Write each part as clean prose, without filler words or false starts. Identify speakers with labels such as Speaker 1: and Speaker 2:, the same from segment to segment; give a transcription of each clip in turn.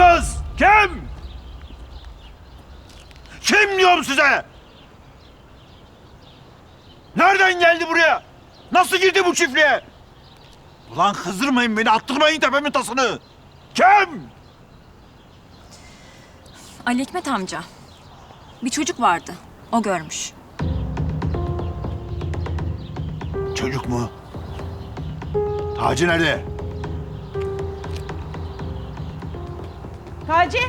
Speaker 1: kız? Kim? Kim diyorum size? Nereden geldi buraya? Nasıl girdi bu çiftliğe? Ulan kızdırmayın beni, attırmayın tepemin tasını. Kim?
Speaker 2: Ali Hikmet amca. Bir çocuk vardı. O görmüş.
Speaker 1: Çocuk mu? Taci nerede?
Speaker 3: Taci.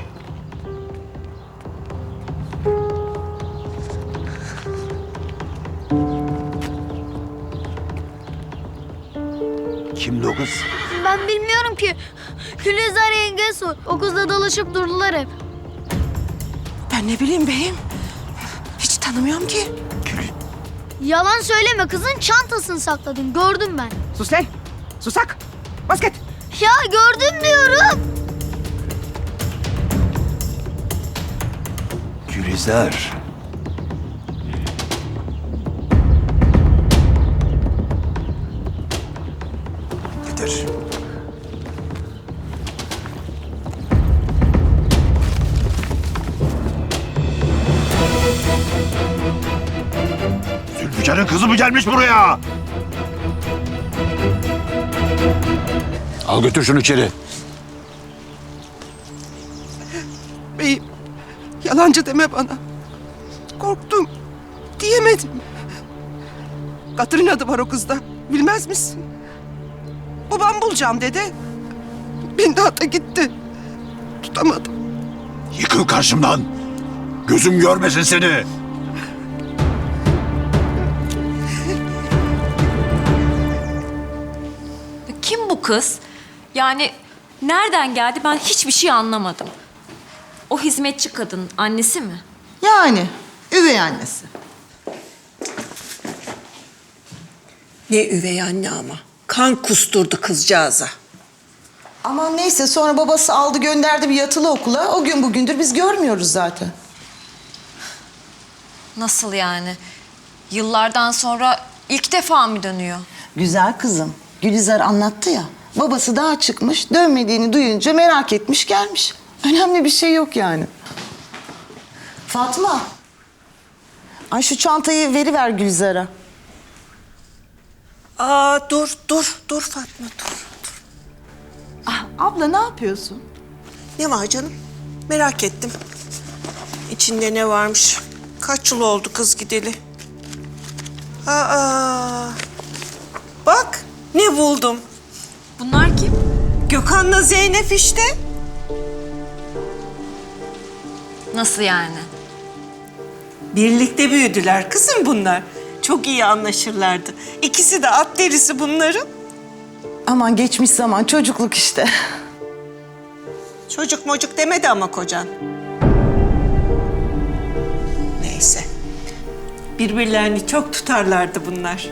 Speaker 1: Kimdi o kız?
Speaker 4: Ben bilmiyorum ki. Gülizar yenge sor. O kızla dolaşıp durdular hep.
Speaker 3: Ben ne bileyim beyim. Hiç tanımıyorum ki.
Speaker 4: Yalan söyleme, kızın çantasını sakladın. Gördüm ben.
Speaker 3: Sus lan. Susak. Basket.
Speaker 4: Ya gördüm diyorum.
Speaker 1: Gülizar. Getir. Zülfikar'ın kızı mı gelmiş buraya? Al götür şunu içeri.
Speaker 3: Beyim. Yalancı deme bana. Korktum. Diyemedim. Katır'ın adı var o kızda. Bilmez misin? Babam bulacağım dedi. Bindi ata gitti. Tutamadım.
Speaker 1: Yıkıl karşımdan. Gözüm görmesin seni.
Speaker 2: Kim bu kız? Yani nereden geldi ben hiçbir şey anlamadım. O hizmetçi kadın annesi mi?
Speaker 5: Yani üvey annesi.
Speaker 6: Ne üvey anne ama. Kan kusturdu kızcağıza.
Speaker 5: Aman neyse sonra babası aldı gönderdi bir yatılı okula. O gün bugündür biz görmüyoruz zaten.
Speaker 2: Nasıl yani? Yıllardan sonra ilk defa mı dönüyor?
Speaker 5: Güzel kızım. Gülizar anlattı ya. Babası daha çıkmış, dönmediğini duyunca merak etmiş gelmiş. Önemli bir şey yok yani. Fatma. Ay şu çantayı veriver Gülizar'a.
Speaker 6: Aa dur Fatma dur.
Speaker 5: Abla ne yapıyorsun?
Speaker 6: Ne var canım? Merak ettim. İçinde ne varmış? Kaç yıl oldu kız gideli? Aa, bak ne buldum.
Speaker 2: Bunlar kim?
Speaker 6: Gökhan'la Zeynep işte.
Speaker 2: Nasıl yani?
Speaker 6: Birlikte büyüdüler kızım bunlar. Çok iyi anlaşırlardı. İkisi de at derisi bunların.
Speaker 5: Aman geçmiş zaman çocukluk işte.
Speaker 6: Çocuk mocuk demedi ama kocan. Neyse. Birbirlerini çok tutarlardı bunlar.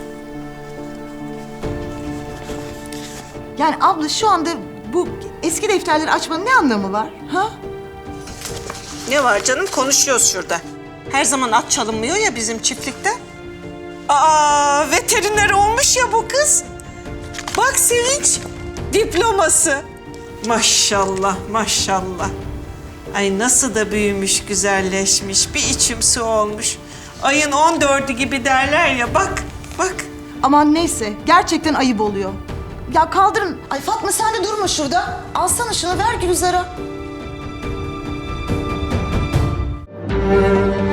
Speaker 5: Yani abla şu anda bu eski defterleri açmanın ne anlamı var? Ha?
Speaker 6: Ne var canım? Konuşuyoruz şurada. Her zaman at çalınmıyor ya bizim çiftlikte. Aa, veteriner olmuş ya bu kız. Bak Sevinç, diploması. Maşallah, maşallah. Ay nasıl da büyümüş, güzelleşmiş, bir içim su olmuş. Ayın 14'ü gibi derler ya, bak, bak.
Speaker 5: Aman neyse gerçekten ayıp oluyor. Ya kaldırın. Ay Fatma sen de durma şurada. Alsana şunu ver Gülizar'a.